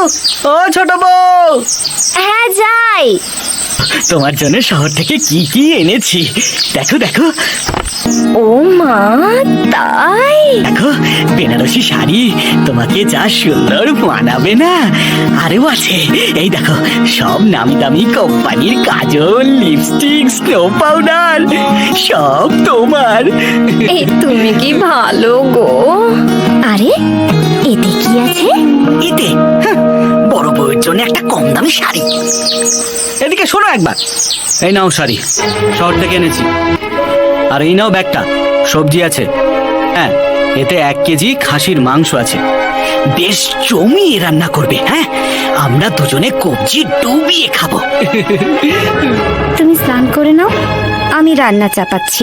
ও ছোট বউ, হ্যাঁ যাই। তোমার জন্য শহর থেকে কি কি এনেছি দেখো দেখো। ও মা, তাই? দেখো বেনারসি শাড়ি তোমাকে যা সুন্দর মানাবে না। আরও আছে, এই দেখো সব নামি দামি কোম্পানির কাজল, লিপস্টিক, স্নো পাউডার সব তোমার। এই তুমি কি ভালো গো। আরে এতে কি আছে? এতে বড় বউয়ের জন্য একটা কম দামি শাড়ি। এদিকে শোনো একবার, এই নাও শাড়ি, শহর থেকে এনেছি। আর এই নাও ব্যাগটা, সবজি আছে। হ্যাঁ, এতে 1 কেজি খাসির মাংস আছে। বেশ জমিয়ে রান্না করবে। হ্যাঁ, আমরা দুজনে কবজি ডুবিয়ে খাবো। তুমি স্নান করে নাও, আমি রান্না চাপাচ্ছি।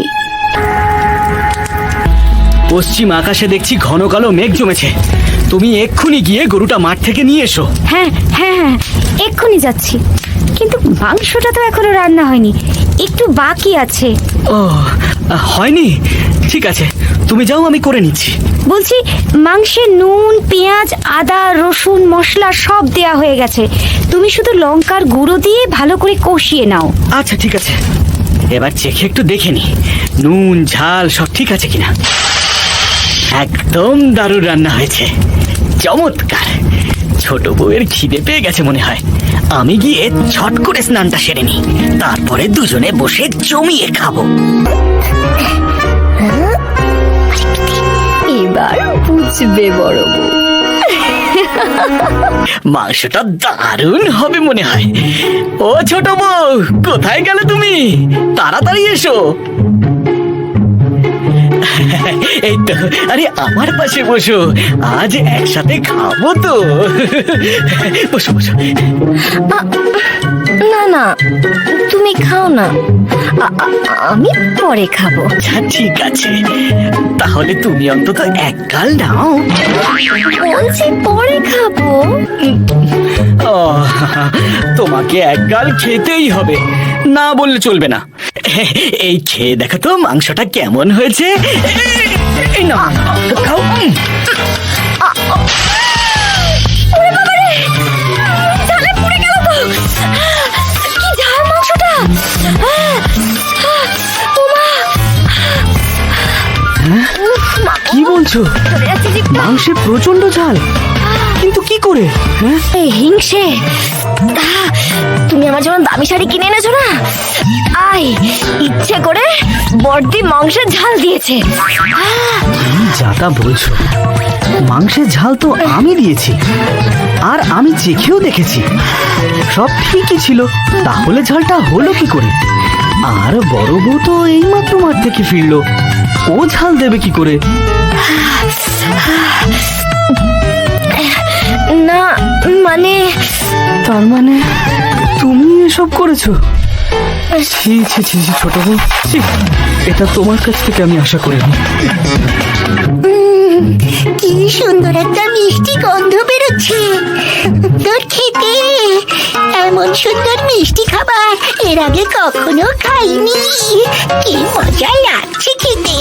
পশ্চিম আকাশে দেখছি ঘন কালো মেঘ জমেছে। তুমি এক্ষুনি গিয়ে গরুটা মাঠ থেকে নিয়ে এসো। হ্যাঁ হ্যাঁ হ্যাঁ, এক্ষুনি যাচ্ছি। কিন্তু মাংসটা তো এখনো রান্না হয়নি, একটু বাকি আছে। ও, হয়নি? ঠিক আছে, তুমি যাও, আমি করে নিচ্ছি। বলছি, মাংসে নুন, পেঁয়াজ, আদা, রসুন, মশলা সব দেয়া হয়ে গেছে। তুমি শুধু লঙ্কার গুঁড়ো দিয়ে ভালো করে কষিয়ে নাও। আচ্ছা ঠিক আছে, এবার চেখে একটু দেখে নি নুন ঝাল সব ঠিক আছে কিনা। একদম দারুণ রান্না হয়েছে, চমৎকার। ছোট বউয়ের খিদে পেয়ে গেছে মনে হয়। আমি গিয়ে ছট করে স্নানটা সেরে নি, তারপরে দুজনে বসে জমিয়ে খাবো। এবার বুঝবে বড় বউ। মাংসটা দারুণ হবে মনে হয়। ও ছোট বউ, কোথায় গেলে তুমি? তাড়াতাড়ি এসো। এই তো, আরে আমার পাশে বসো, আজ একসাথে খাবো তো। বসো বসো। না না, তুমি খাও না, আমি পরে খাবো। আচ্ছা ঠিক আছে, তাহলে তুমি অন্তত 1 গাল নাও। বলছি পরে খাবো। ও, তোমাকে 1 গাল খেতেই হবে, না বললে চলবে না। এই খেয়ে দেখো তো মাংসটা কেমন হয়েছে। এই না, খাও। ঝালে পুড়ে গেল তো। কি ঝাল মাংসটা। কি বলছো? মাংসে প্রচন্ড ঝাল, কিন্তু কি করে? এই হিংসে, তুমি আমার জন্য দামি শাড়ি কিনে এনেছো না, আয় ইচ্ছে করে বড়দি মাংসের ঝাল দিয়েছে। যা তা বলছো, মাংসের ঝাল তো আমি দিয়েছি, আর আমি চেখেও দেখেছি সব ঠিকই ছিল। তাহলে ঝালটা হলো কি করে? আর বড় বউ তো এইমাত্র মাঠ থেকে ফিরলো, ও ঝাল দেবে কি করে? না মানে, তার মানে তুমি এসব করেছো? ছি ছি ছি ছি, ছোট বউ, ছি, এটা তোমার কাছ থেকে আমি আশা করিনি। কি সুন্দর একটা মিষ্টি গন্ধ বেরোচ্ছে তোর খেতে। এমন সুন্দর মিষ্টি খাবার এর আগে কখনো খাইনি। কি মজা লাগছে খেতে।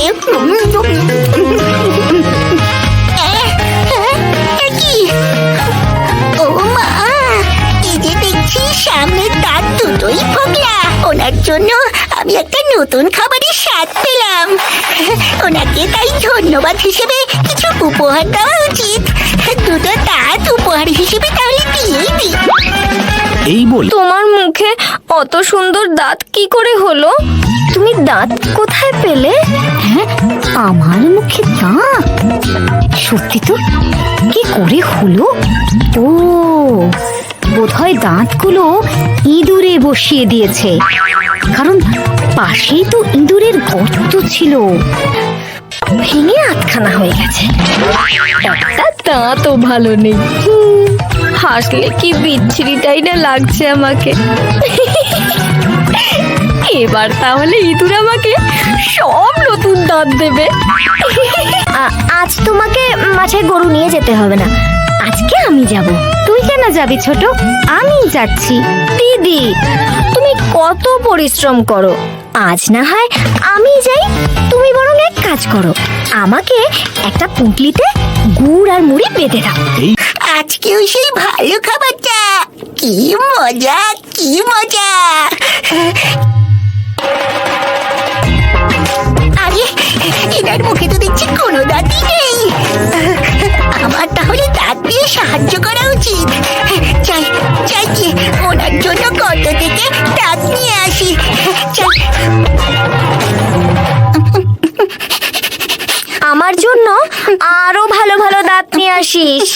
কি, ও মা, এই যে দেখছি সামনের দাঁত দুটোই ফোকলা। ওনার জন্য আমি একটা নতুন খাবারের স্বাদ পেলাম। ওনাকে তাই ধন্যবাদ হিসেবে কিছু উপহার দেওয়া উচিত। 2টো দাঁত উপহার হিসেবে তাহলে দিয়েই দিই। এই বলে তোমার মুখে অত সুন্দর দাঁত কি করে হলো? তুমি দাঁত কোথায় পেলে? হ্যাঁ, আমার মুখে দাঁত? সত্যি তো, কি করে হলো? ও, বোধহয় দাঁতগুলো ইঁদুরে বসিয়ে দিয়েছে, কারণ পাশেই তো ইঁদুরের গর্ত ছিল, ভেঙে আটখানা হয়ে গেছে। একটা দাঁতও ভালো নেই। হাসলে কি বিচ্ছিরিটাই না লাগছে আমাকে। এবার তাহলে ইঁদুর আমাকে সব নতুন দাঁত দেবে। আজ তোমাকে মাঠে গরু নিয়ে যেতে হবে না, আজকে আমি যাব। তুই কেন যাবি ছোট? আমি যাচ্ছি। দিদি, তুমি কত পরিশ্রম করো, আজ না হয় আমি যাই। তুমি বরং এক কাজ করো, আমাকে একটা পুঁটলিতে গুড় আর মুড়ি বেঁধে দাও। আজকেও সেই ভালো খাবারটা। কি মজা, কি মজা। আরে এনার মুখে তো দেখছি কোনো দাঁতই নেই। আমার তাহলে দাঁত দিয়ে সাহায্য করা উচিত। চাই চাই কি ওনার জন্য কত থেকে দাঁত নিয়ে আসি। চাই। আমার জন্য আরো ভালো ভালো দাঁত নিয়ে আসিস।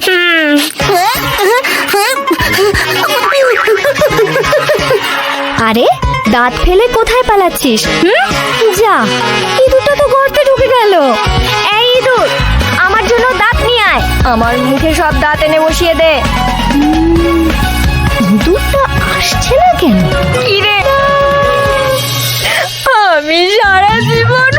আরে দাঁত ফেলে কোথায় পালাচ্ছিস? যা, ইঁদুরটা তো গর্তে ঢুকে গেল। এই ইঁদুর, আমার জন্য দাঁত নিয়ে আয়। আমার মুখে সব দাঁত এনে বসিয়ে দে। ইঁদুরটা আসছে না কেন? কি রে, আমি সারা জীবন